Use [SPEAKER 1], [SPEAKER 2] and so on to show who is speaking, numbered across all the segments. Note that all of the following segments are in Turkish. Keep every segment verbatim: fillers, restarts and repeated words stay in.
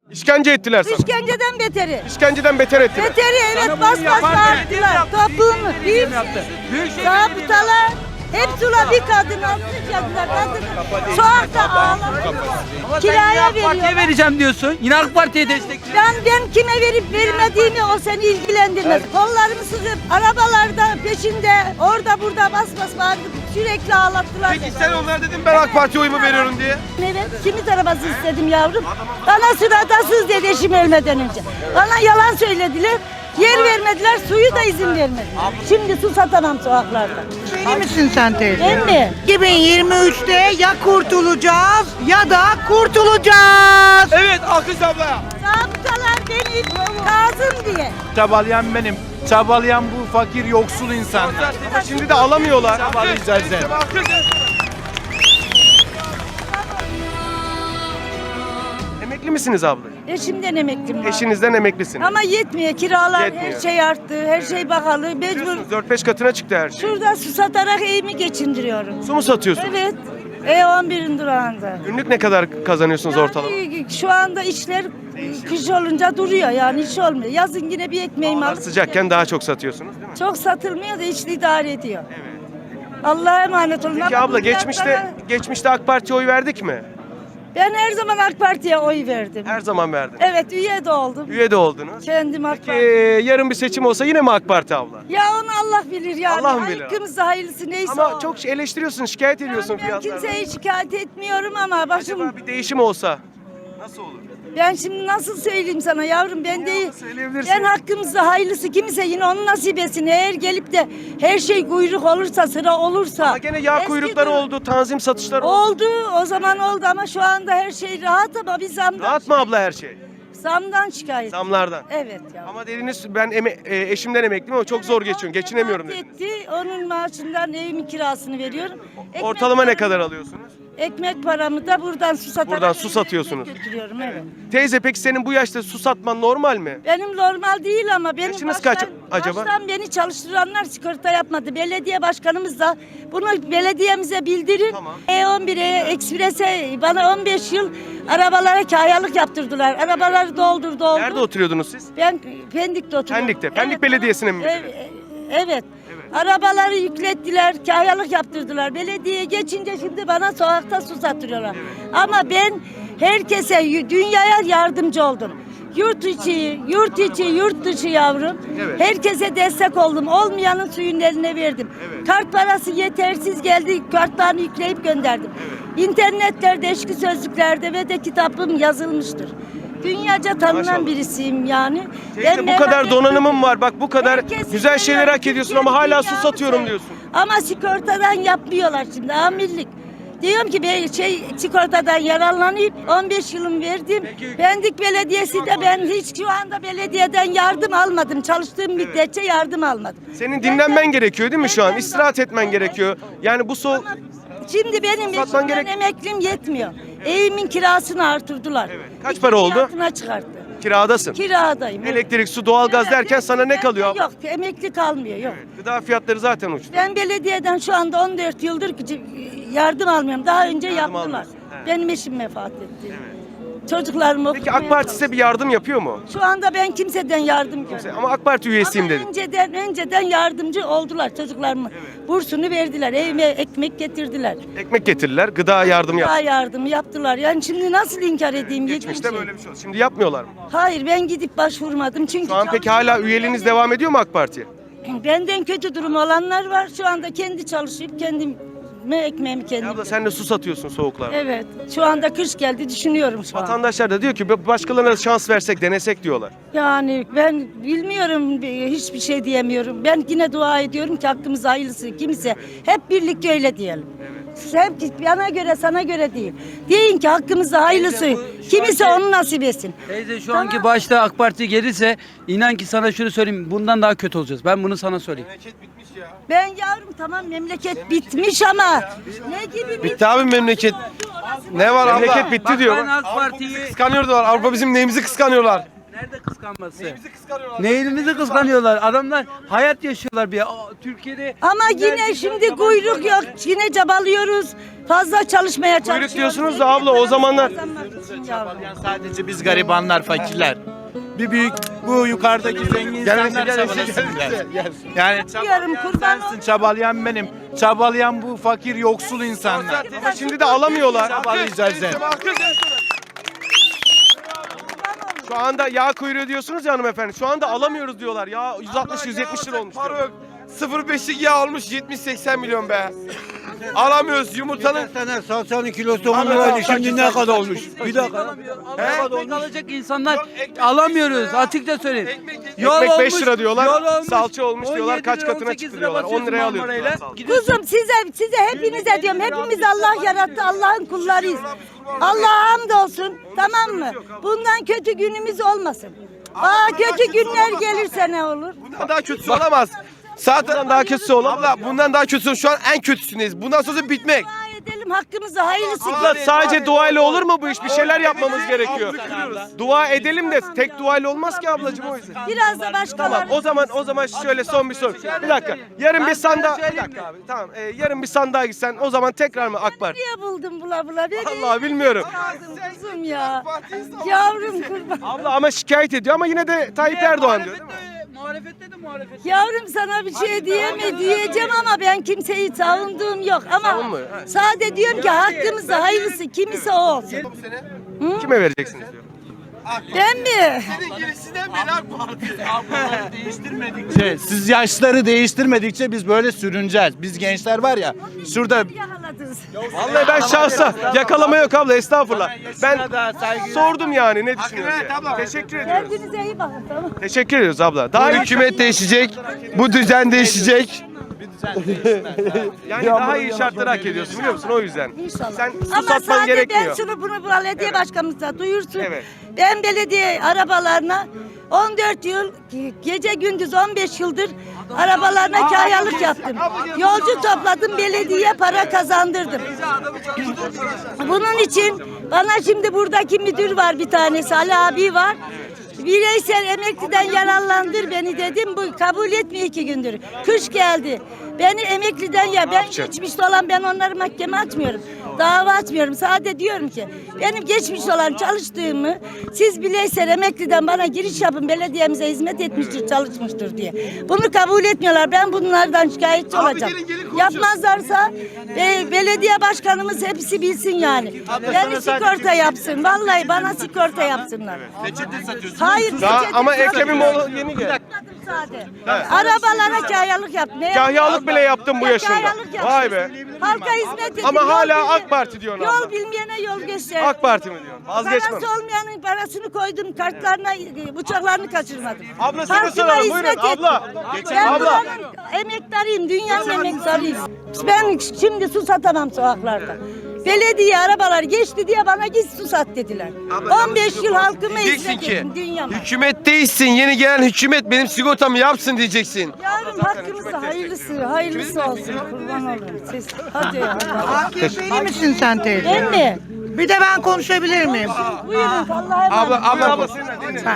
[SPEAKER 1] İşkence ettiler sana.
[SPEAKER 2] İşkenceden beteri.
[SPEAKER 1] İşkenceden beter ettiler.
[SPEAKER 2] Beteri evet
[SPEAKER 3] Sana
[SPEAKER 2] bas
[SPEAKER 3] bunu
[SPEAKER 2] bas
[SPEAKER 3] yapan belediye mi
[SPEAKER 2] bağırdılar.
[SPEAKER 3] yaptı?
[SPEAKER 2] Toplumu,
[SPEAKER 3] Büyükşehir Belediye
[SPEAKER 2] büyük
[SPEAKER 3] mi yaptı? Büyükşehir
[SPEAKER 2] zabıtalar. Hepsi ula bir kadın almışlar. Kadın sokakta ağlamışlar.
[SPEAKER 3] Ama sen
[SPEAKER 2] Kiraya
[SPEAKER 3] yine AK Parti'ye
[SPEAKER 2] veriyorlar.
[SPEAKER 3] vereceğim diyorsun. Yine AK Parti'ye destekliyorsun.
[SPEAKER 2] Ben ben kime verip vermediğimi o seni ilgilendirmez. Kollarımı sıkıp arabalarda peşinde orada burada bas bas bağırdık. Sürekli ağlattılar.
[SPEAKER 1] Peki sen onlara dedin ben AK Parti oyumu veriyorum diye.
[SPEAKER 2] Evet, simit arabası istedim yavrum. Bana suratasız dedi eşim ölmeden önce. Bana yalan söylediler. Yer vermediler, suyu da izin vermediler. Şimdi su satamam sokaklarda.
[SPEAKER 4] Değil misin sen teyze?
[SPEAKER 2] Ben mi?
[SPEAKER 4] iki bin yirmi üçte ya kurtulacağız ya da kurtulacağız.
[SPEAKER 3] Evet Akış abla.
[SPEAKER 2] Zabıtalar beni lazım diye.
[SPEAKER 5] Çabalayan benim. Çabalayan bu fakir yoksul insanlar.
[SPEAKER 1] Ama şimdi de alamıyorlar.
[SPEAKER 5] Çabalayacağız sen.
[SPEAKER 1] Emekli misiniz abla?
[SPEAKER 2] Eşimden emeklim var.
[SPEAKER 1] Eşinizden emeklisiniz.
[SPEAKER 2] Ama yetmiyor, kiralar
[SPEAKER 1] Yetmiyor.
[SPEAKER 2] her şey arttı, her şey pahalı. Mecbur
[SPEAKER 1] dört beş katına çıktı her şey.
[SPEAKER 2] şurada su satarak evimi geçindiriyorum.
[SPEAKER 1] Su mu satıyorsunuz?
[SPEAKER 2] Evet, E on birin durağında.
[SPEAKER 1] Günlük ne kadar kazanıyorsunuz ortalama?
[SPEAKER 2] Yani şu anda işler kış olunca duruyor yani iş olmuyor. Yazın yine bir ekmeğimi
[SPEAKER 1] Havalar
[SPEAKER 2] alıp
[SPEAKER 1] sıcakken daha çok satıyorsunuz değil mi?
[SPEAKER 2] çok satılmıyor da işte idare ediyor. Allah'a emanet olun.
[SPEAKER 1] Peki
[SPEAKER 2] Ama
[SPEAKER 1] abla
[SPEAKER 2] bu
[SPEAKER 1] geçmişte
[SPEAKER 2] fiyatlara-
[SPEAKER 1] geçmişte AK Parti'ye oy verdik mi?
[SPEAKER 2] Ben her zaman AK Parti'ye oy verdim.
[SPEAKER 1] Her zaman verdik.
[SPEAKER 2] Evet üye de oldum.
[SPEAKER 1] Üye de oldunuz.
[SPEAKER 2] Kendim AK
[SPEAKER 1] Peki
[SPEAKER 2] Parti.
[SPEAKER 1] yarın bir seçim olsa yine mi AK Parti abla?
[SPEAKER 2] Ya onu Allah bilir yani.
[SPEAKER 1] Allah mı bilir?
[SPEAKER 2] Hakkımızda hayırlısı neyse
[SPEAKER 1] Ama
[SPEAKER 2] o.
[SPEAKER 1] çok eleştiriyorsun, şikayet ediyorsun
[SPEAKER 2] Yani ben
[SPEAKER 1] fiyatlardan.
[SPEAKER 2] kimseye şikayet etmiyorum ama başım...
[SPEAKER 1] Acaba bir değişim olsa nasıl olur?
[SPEAKER 2] Ben şimdi nasıl söyleyeyim sana yavrum ben değil.
[SPEAKER 1] söyleyebilirsin.
[SPEAKER 2] Ben hakkımızda hayırlısı kimse yine onun nasip etsin. Eğer gelip de her şey kuyruk olursa sıra olursa.
[SPEAKER 1] Ama gene yağ
[SPEAKER 2] eski
[SPEAKER 1] kuyrukları
[SPEAKER 2] durum-
[SPEAKER 1] oldu, tanzim satışları oldu.
[SPEAKER 2] Oldu o zaman oldu ama şu anda her şey rahat ama biz zamdan,
[SPEAKER 1] Rahat mı abla her şey?
[SPEAKER 2] zamdan şikayet.
[SPEAKER 1] Zamlardan.
[SPEAKER 2] Evet ya.
[SPEAKER 1] Ama dediniz ben eme- e, eşimden emekliyim ama çok zor geçiyorum, geçinemiyorum
[SPEAKER 2] Rahat
[SPEAKER 1] dediniz.
[SPEAKER 2] etti. Onun maaşından evimin kirasını veriyorum. Ekmek
[SPEAKER 1] Ortalama ne
[SPEAKER 2] paramı-
[SPEAKER 1] kadar alıyorsunuz?
[SPEAKER 2] Ekmek paramı da buradan su satarak
[SPEAKER 1] Buradan su
[SPEAKER 2] evime
[SPEAKER 1] satıyorsunuz.
[SPEAKER 2] ekmek götürüyorum evet.
[SPEAKER 1] Teyze peki senin bu yaşta su satman normal mi?
[SPEAKER 2] Benim normal değil ama benim
[SPEAKER 1] Yaşınız
[SPEAKER 2] baştan,
[SPEAKER 1] kaç acaba?
[SPEAKER 2] baştan beni çalıştıranlar sigorta yapmadı. Belediye başkanımız da bunu belediyemize bildirin.
[SPEAKER 1] Tamam.
[SPEAKER 2] E on bire, Ekspres'e bana on beş yıl arabalara kayalık yaptırdılar. Arabaları doldur doldur.
[SPEAKER 1] Nerede oturuyordunuz siz?
[SPEAKER 2] Ben Pendik'te oturuyorum.
[SPEAKER 1] Pendik'te. Pendik Belediyesi'ne mi
[SPEAKER 2] Evet,
[SPEAKER 1] müdürü?
[SPEAKER 2] evet. Arabaları yüklettiler, kayalık yaptırdılar. Belediye geçince şimdi bana sokakta su satıyorlar. Ama ben herkese, y- dünyaya yardımcı oldum. Yurt içi, yurt içi, yurt dışı yavrum.
[SPEAKER 1] Evet.
[SPEAKER 2] Herkese destek oldum. Olmayanın suyun eline verdim. Kart parası yetersiz geldi. Kartlarını yükleyip gönderdim. İnternetlerde, eşki sözlüklerde ve de kitabım yazılmıştır. Dünyaca tanınan
[SPEAKER 1] Maşallah.
[SPEAKER 2] birisiyim yani.
[SPEAKER 1] Teyze bu
[SPEAKER 2] merak
[SPEAKER 1] kadar
[SPEAKER 2] etmedim.
[SPEAKER 1] donanımın var. Bak bu kadar
[SPEAKER 2] Herkes
[SPEAKER 1] güzel şeyler
[SPEAKER 2] seviyor,
[SPEAKER 1] hak ediyorsun ama
[SPEAKER 2] Türkiye'nin
[SPEAKER 1] hala su
[SPEAKER 2] dünyası
[SPEAKER 1] satıyorum
[SPEAKER 2] seviyor.
[SPEAKER 1] diyorsun.
[SPEAKER 2] Ama sigortadan yapmıyorlar şimdi amirlik. Diyorum ki ben şey sigortadan yararlanayım. on beş yılım verdim. Pendik Belediyesi de ben hiç şu anda belediyeden yardım almadım. Çalıştığım müddetçe yardım almadım.
[SPEAKER 1] Senin dinlenmen gerekiyor değil mi şu an?
[SPEAKER 2] Benden
[SPEAKER 1] İstirahat
[SPEAKER 2] daha-
[SPEAKER 1] etmen gerekiyor. Yani bu soğuk...
[SPEAKER 2] Şimdi benim
[SPEAKER 1] Satman
[SPEAKER 2] eşimden
[SPEAKER 1] gerek-
[SPEAKER 2] emeklim yetmiyor. Evimin kirasını artırdılar.
[SPEAKER 1] Kaç
[SPEAKER 2] İki
[SPEAKER 1] para oldu?
[SPEAKER 2] katına çıkarttı.
[SPEAKER 1] Kiradasın.
[SPEAKER 2] Kiradayım. evet.
[SPEAKER 1] Elektrik, su, doğalgaz
[SPEAKER 2] Evet,
[SPEAKER 1] derken sana ne
[SPEAKER 2] bende
[SPEAKER 1] kalıyor?
[SPEAKER 2] Yok emekli kalmıyor yok.
[SPEAKER 1] Gıda fiyatları zaten uçtu.
[SPEAKER 2] Ben belediyeden şu anda on dört yıldır yardım almıyorum. Daha önce
[SPEAKER 1] Yardım
[SPEAKER 2] yaptılar.
[SPEAKER 1] almıyorsun, he.
[SPEAKER 2] Benim eşim vefat etti. Çocuklarım
[SPEAKER 1] Peki
[SPEAKER 2] okumaya
[SPEAKER 1] AK Parti size bir yardım yapıyor mu?
[SPEAKER 2] Şu anda ben kimseden yardım görmüyorum.
[SPEAKER 1] Ama AK Parti üyesiyim
[SPEAKER 2] Ama
[SPEAKER 1] dedin.
[SPEAKER 2] önceden, önceden yardımcı oldular çocuklarımın. Bursunu verdiler, evime ekmek getirdiler.
[SPEAKER 1] Ekmek getirirler, gıda yardım yap.
[SPEAKER 2] Daha yardım yaptılar. Yani şimdi nasıl inkar edeyim? yediğim
[SPEAKER 1] Geçmişte
[SPEAKER 2] şeyi?
[SPEAKER 1] böyle bir şey oldu. Şimdi yapmıyorlar mı?
[SPEAKER 2] Hayır ben gidip başvurmadım. Çünkü
[SPEAKER 1] Şu an peki hala
[SPEAKER 2] çalışıyorum.
[SPEAKER 1] üyeliğiniz
[SPEAKER 2] Benden-
[SPEAKER 1] devam ediyor mu AK Parti'ye?
[SPEAKER 2] Benden kötü durum olanlar var. Şu anda kendi çalışıp kendim ekmeğimi kendim.
[SPEAKER 1] Ya abla sen de su satıyorsun soğuklarda.
[SPEAKER 2] Evet. Şu anda kış geldi düşünüyorum şu an.
[SPEAKER 1] Vatandaşlar da diyor ki başkalarına da şans versek, denesek diyorlar.
[SPEAKER 2] Yani ben bilmiyorum hiçbir şey diyemiyorum. Ben yine dua ediyorum ki hakkımız hayırlısı kimse. Hep birlikte öyle diyelim. Hep bana göre sana göre değil. Deyin ki hakkımızda hayırlısı.
[SPEAKER 3] Teyze, bu şu
[SPEAKER 2] Kimse
[SPEAKER 3] anki-
[SPEAKER 2] onu nasip etsin.
[SPEAKER 3] Teyze şu
[SPEAKER 2] Tamam.
[SPEAKER 3] anki başta AK Parti gelirse inan ki sana şunu söyleyeyim. Bundan daha kötü olacağız. Ben bunu sana söyleyeyim.
[SPEAKER 2] Ben yavrum tamam memleket bitmiş ama ne gibi
[SPEAKER 6] Bitti abi memleket. Ne var abla?
[SPEAKER 1] Memleket bitti
[SPEAKER 3] Bak
[SPEAKER 1] diyor.
[SPEAKER 3] ben AK Parti'yi
[SPEAKER 6] Kıskanıyorlar. Avrupa bizim neyimizi kıskanıyorlar.
[SPEAKER 3] Nerede kıskanması?
[SPEAKER 1] Neyimizi kıskanıyorlar?
[SPEAKER 3] Neyimizi kıskanıyorlar? Adamlar hayat yaşıyorlar bir. Aa, Türkiye'de
[SPEAKER 2] Ama yine şimdi kuyruk yok. Yine çabalıyoruz. Fazla çalışmaya çalışıyoruz.
[SPEAKER 1] Kuyruk diyorsunuz da abla, o zamanlar-
[SPEAKER 2] Kazanmak için yavrum.
[SPEAKER 5] Yani sadece biz garibanlar, fakirler. Bir büyük bu yukarıdaki zengin insanlar çabalasın biraz. Yani
[SPEAKER 2] Diyorum,
[SPEAKER 5] çabalayan
[SPEAKER 2] kurban
[SPEAKER 5] sensin, çabalayan benim. Çabalayan bu fakir yoksul insanlar.
[SPEAKER 1] Ama şimdi de alamıyorlar.
[SPEAKER 5] Çabalayacağız yani.
[SPEAKER 1] Şu anda yağ kuyruğu diyorsunuz ya hanımefendi. Şu anda alamıyoruz diyorlar. Ya yüz altmış yüz yetmiş lira olmuş. diyor.
[SPEAKER 6] sıfır virgül beşlik yağ olmuş yetmiş seksen milyon be. Alamıyoruz yumurtanın.
[SPEAKER 7] Sene salçanın kilosu on liraydı, şimdi ne kadar olmuş? Bir dakika.
[SPEAKER 3] ekmek alacak insanlar alamıyoruz. Açıkça söyleyeyim. Yol
[SPEAKER 1] Ekmek beş
[SPEAKER 3] olmuş,
[SPEAKER 1] lira diyorlar,
[SPEAKER 3] yol olmuş,
[SPEAKER 1] salça olmuş
[SPEAKER 3] on
[SPEAKER 1] diyorlar,
[SPEAKER 3] yedi
[SPEAKER 1] kaç
[SPEAKER 3] lira,
[SPEAKER 1] katına
[SPEAKER 3] on sekiz
[SPEAKER 1] çıktı
[SPEAKER 3] lira
[SPEAKER 1] diyorlar. on
[SPEAKER 3] basıyorsun
[SPEAKER 1] liraya alıyoruz
[SPEAKER 3] Marmara'yla.
[SPEAKER 1] salça.
[SPEAKER 3] Gidiyorsun.
[SPEAKER 2] Kuzum size size hepinize diyorum. Hepimiz Allah yarattı. Allah'ın kullarıyız. Allah'a hamdolsun. Tamam mı? Bundan kötü günümüz olmasın. Aa, kötü günler gelirse ne olur?
[SPEAKER 6] Bundan daha kötüsü olamaz. Zaten daha kötüsü olamaz. Abla bundan daha kötüsü şu an en kötüsündeyiz. Bundan sonra bitmek.
[SPEAKER 2] Dua edelim hakkımızı hayırlısı.
[SPEAKER 1] Abla sadece duayla olur mu bu iş? Bir şeyler yapmamız gerekiyor. Dua edelim de tek duayla olmaz ki ablacığım, o yüzden.
[SPEAKER 2] Biraz da başkaları.
[SPEAKER 1] Tamam, o zaman o zaman şöyle son bir soru. Bir dakika. Yarın bir sandığa bir dakika abi. Tamam. e, yarın bir sandığa gitsen o zaman tekrar mı AK Parti?
[SPEAKER 2] Niye buldun bula bula beni?
[SPEAKER 1] Vallahi bilmiyorum.
[SPEAKER 2] Yavrum kuzum ya. Yavrum kurban.
[SPEAKER 1] Abla ama şikayet ediyor ama yine de Tayyip Erdoğan diyor değil mi?
[SPEAKER 3] Muhalefette de muhalefet.
[SPEAKER 2] Yavrum sana bir şey diyeme diyeceğim ama ben kimseyi savunduğum yok. Ama
[SPEAKER 1] Savunmuyor, ha.
[SPEAKER 2] sade diyorum ki hakkımızı hayırlısı kimse o olsun.
[SPEAKER 1] Kime vereceksiniz diyor.
[SPEAKER 2] Ben mi?
[SPEAKER 5] Değiştirmedikçe, siz yaşları değiştirmedikçe biz böyle sürüneceğiz. Biz gençler var ya, şurada
[SPEAKER 2] Yakaladınız.
[SPEAKER 1] Vallahi ben şahsa yakalama yok abla, estağfurullah. Ben
[SPEAKER 5] da saygı
[SPEAKER 1] sordum yani ne düşünüyorsun diye. Teşekkür ediyoruz.
[SPEAKER 2] Kendinize iyi bakın tamam.
[SPEAKER 1] Teşekkür ediyoruz abla. Daha iyi
[SPEAKER 6] Hükümet değişecek. Bu düzen değişecek.
[SPEAKER 1] yani daha iyi şartları hak ediyorsun biliyor musun, o yüzden.
[SPEAKER 2] İnşallah.
[SPEAKER 1] Sen su
[SPEAKER 2] Ama
[SPEAKER 1] satman
[SPEAKER 2] sadece ben
[SPEAKER 1] gerekmiyor.
[SPEAKER 2] şunu bunu bu belediye başkanımıza duyursun.
[SPEAKER 1] Evet.
[SPEAKER 2] Ben belediye arabalarına on dört yıl gece gündüz on beş yıldır arabalarına kahyalık yaptım. Yolcu topladım, belediye para kazandırdım. Bunun için bana şimdi buradaki müdür var, bir tanesi Ali abi var. Bireysel emekliden yararlandır beni dedim. Bu kabul etmiyor iki gündür. Kış geldi. Beni emekliden ya ben geçmiş olan, ben onları mahkeme açmıyorum. Dava açmıyorum. Sadece diyorum ki benim geçmiş olan çalıştığımı siz bireysel emekliden bana giriş yapın, belediyemize hizmet etmiştir, çalışmıştır diye. Bunu kabul etmiyorlar. Ben bunlardan şikayetçi olacağım. Yapmazlarsa e, belediye başkanımız hepsi bilsin yani. Beni sigorta yapsın. Vallahi bana sigorta yapsınlar. Hayır.
[SPEAKER 1] Daha
[SPEAKER 2] peçete
[SPEAKER 1] ama
[SPEAKER 2] satmadım.
[SPEAKER 1] Ekrem İmamoğlu yeni geldi.
[SPEAKER 2] Sade. Arabalara kahyalık yaptım. Ne
[SPEAKER 1] Kahyalık bile yaptım bu yaşında.
[SPEAKER 2] Kahyalık yaptım.
[SPEAKER 1] Vay be.
[SPEAKER 2] Halka hizmet edin.
[SPEAKER 1] Ama
[SPEAKER 2] yol
[SPEAKER 1] hala
[SPEAKER 2] bilmeyen-
[SPEAKER 1] AK Parti diyorsun abla.
[SPEAKER 2] Yol bilmeyene yol göster.
[SPEAKER 1] AK Parti mi diyorsun? Vazgeçmem.
[SPEAKER 2] Parası olmayanın parasını koydum, kartlarına, uçaklarını kaçırmadım.
[SPEAKER 1] Abla seni
[SPEAKER 2] Halkıma
[SPEAKER 1] soralım,
[SPEAKER 2] hizmet
[SPEAKER 1] buyurun.
[SPEAKER 2] ettim.
[SPEAKER 1] Abla.
[SPEAKER 2] Ben
[SPEAKER 1] Abla.
[SPEAKER 2] buranın emektarıyım, dünyanın emektarıyım. Ben şimdi su satamam sokaklarda. Belediye arabalar geçti diye bana git su sat dediler. on beş yıl halkıma
[SPEAKER 6] Diyeceksin
[SPEAKER 2] hizmet
[SPEAKER 6] ki
[SPEAKER 2] ettim, dünyama.
[SPEAKER 6] hükümet değişsin. Yeni gelen hükümet benim sigortamı yapsın diyeceksin.
[SPEAKER 2] Yavrum hakkımızı hayırlısı, hayırlısı olsun. Kurban olurum. Siz, hadi ya.
[SPEAKER 4] A K P'li misin sen teyze?
[SPEAKER 2] Ben mi?
[SPEAKER 4] Bir de ben konuşabilir miyim?
[SPEAKER 2] Buyurun Allah'a emanet.
[SPEAKER 6] Abla abla.
[SPEAKER 1] Abla senin adın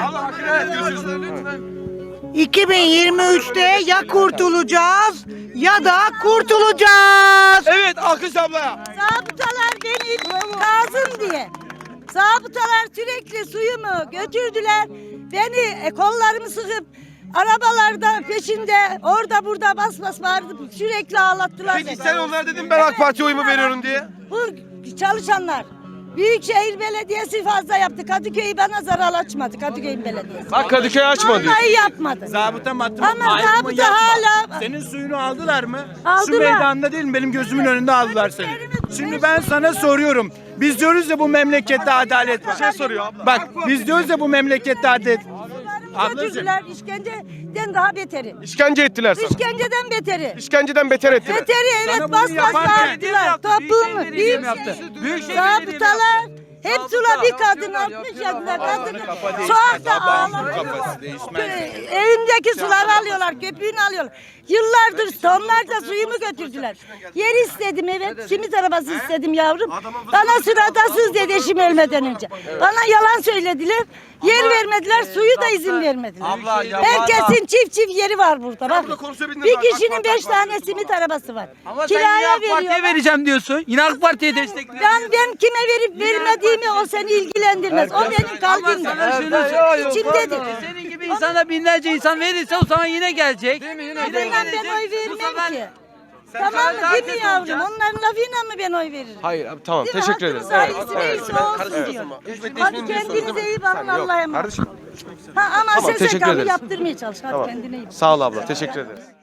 [SPEAKER 1] ne?
[SPEAKER 4] iki bin yirmi üçte ya kurtulacağız ya da kurtulacağız.
[SPEAKER 6] Evet alkış ablaya.
[SPEAKER 2] Zabıtalar beni lazım diye. Zabıtalar sürekli suyumu götürdüler. Beni e, kollarımı sıkıp arabalarda peşinde orada burada bas bas bağırdı. Sürekli ağlattılar
[SPEAKER 6] Peki
[SPEAKER 2] beni.
[SPEAKER 6] sen onlara dedin ben AK Parti oyumu veriyorum diye.
[SPEAKER 2] Bu çalışanlar. Büyükşehir Belediyesi fazla yaptı. Kadıköy'ü bana zarar açmadı. Kadıköy'ün belediyesi.
[SPEAKER 1] Bak Kadıköy açma diyor.
[SPEAKER 2] Vallahi yapmadı.
[SPEAKER 5] zabıta matım.
[SPEAKER 2] Ama zabıta hala-
[SPEAKER 5] Senin suyunu aldılar mı?
[SPEAKER 2] Aldılar.
[SPEAKER 5] Şu meydanda değil mi? Benim gözümün önünde aldılar seni. Şimdi ben sana soruyorum. Biz diyoruz ya bu memlekette adalet var.
[SPEAKER 1] Bir şey soruyor abla.
[SPEAKER 5] Bak biz diyoruz ya bu memlekette adalet.
[SPEAKER 2] Sularımı götürdüler. İşkenceden daha beteri.
[SPEAKER 1] İşkence ettiler sana.
[SPEAKER 2] İşkenceden beteri.
[SPEAKER 1] İşkenceden beter ettiler.
[SPEAKER 2] Beteri
[SPEAKER 5] Sana
[SPEAKER 2] evet
[SPEAKER 5] bunu
[SPEAKER 2] bas bas
[SPEAKER 5] yapan belediye mi
[SPEAKER 2] bağırdılar.
[SPEAKER 5] yaptı?
[SPEAKER 2] Toplumu.
[SPEAKER 3] Büyükşehir Belediye mi yaptı?
[SPEAKER 2] Büyük
[SPEAKER 3] Büyükşehir Belediye mi
[SPEAKER 2] zabıtalar Hepsine bir kadın altmış yaşında kadın sokakta ağlamıyor. Evimdeki suları alıyorlar, köpüğünü alıyorlar. Yıllardır tonlarca suyumu götürdüler. Yer istedim, evet, simit arabası istedim yavrum. Bana sıratasız dedi eşim ölmeden önce. Bana yalan söylediler. Yer vermediler, suyu da izin vermediler.
[SPEAKER 3] Abla, ya
[SPEAKER 2] Herkesin çift çift yeri var burada. Bak.
[SPEAKER 1] burada konuşabildin
[SPEAKER 2] Bir
[SPEAKER 1] mi?
[SPEAKER 2] kişinin
[SPEAKER 1] AK Parti,
[SPEAKER 2] beş tane simit arabası var.
[SPEAKER 3] Ama sen yine
[SPEAKER 2] Kiraya
[SPEAKER 3] AK Parti'ye
[SPEAKER 2] veriyorlar.
[SPEAKER 3] vereceğim diyorsun. Yine AK Parti'ye destekliyorsun.
[SPEAKER 2] Ben ben kime verip vermediğimi o seni ilgilendirmez. O benim
[SPEAKER 3] Ama
[SPEAKER 2] kalbimde.
[SPEAKER 3] sana şunu söyleyeyim.
[SPEAKER 2] İçimdedir.
[SPEAKER 3] Senin gibi insana binlerce insan verirse o zaman yine gelecek.
[SPEAKER 2] Ben,
[SPEAKER 3] Yine
[SPEAKER 2] ben
[SPEAKER 3] gelecek.
[SPEAKER 2] oy
[SPEAKER 3] Bu sefer-
[SPEAKER 2] vermem ki. Tamam mı
[SPEAKER 3] daha
[SPEAKER 2] değil mi
[SPEAKER 3] kötü
[SPEAKER 2] yavrum?
[SPEAKER 3] olacaksın.
[SPEAKER 2] Onların lafıyla mı ben oy veririm?
[SPEAKER 1] Hayır abi, tamam,
[SPEAKER 2] Değil mi?
[SPEAKER 1] teşekkür ederim.
[SPEAKER 2] Hakkımız
[SPEAKER 1] Evet,
[SPEAKER 2] ailesi
[SPEAKER 1] evet,
[SPEAKER 2] neyse
[SPEAKER 1] ben
[SPEAKER 2] olsun
[SPEAKER 1] karışmıyorum.
[SPEAKER 2] diyor.
[SPEAKER 1] Hizmet
[SPEAKER 2] Hadi
[SPEAKER 1] ismini
[SPEAKER 2] kendinize
[SPEAKER 1] sordum.
[SPEAKER 2] iyi bakın,
[SPEAKER 1] Sen yok,
[SPEAKER 2] Allah'a emanet.
[SPEAKER 1] Kardeşim.
[SPEAKER 2] Ha ama
[SPEAKER 1] Tamam,
[SPEAKER 2] S S
[SPEAKER 1] teşekkür
[SPEAKER 2] K'mı
[SPEAKER 1] ederiz.
[SPEAKER 2] yaptırmaya çalış. Hadi
[SPEAKER 1] Tamam.
[SPEAKER 2] kendine iyi bak.
[SPEAKER 1] Sağ ol abla, teşekkür ederiz.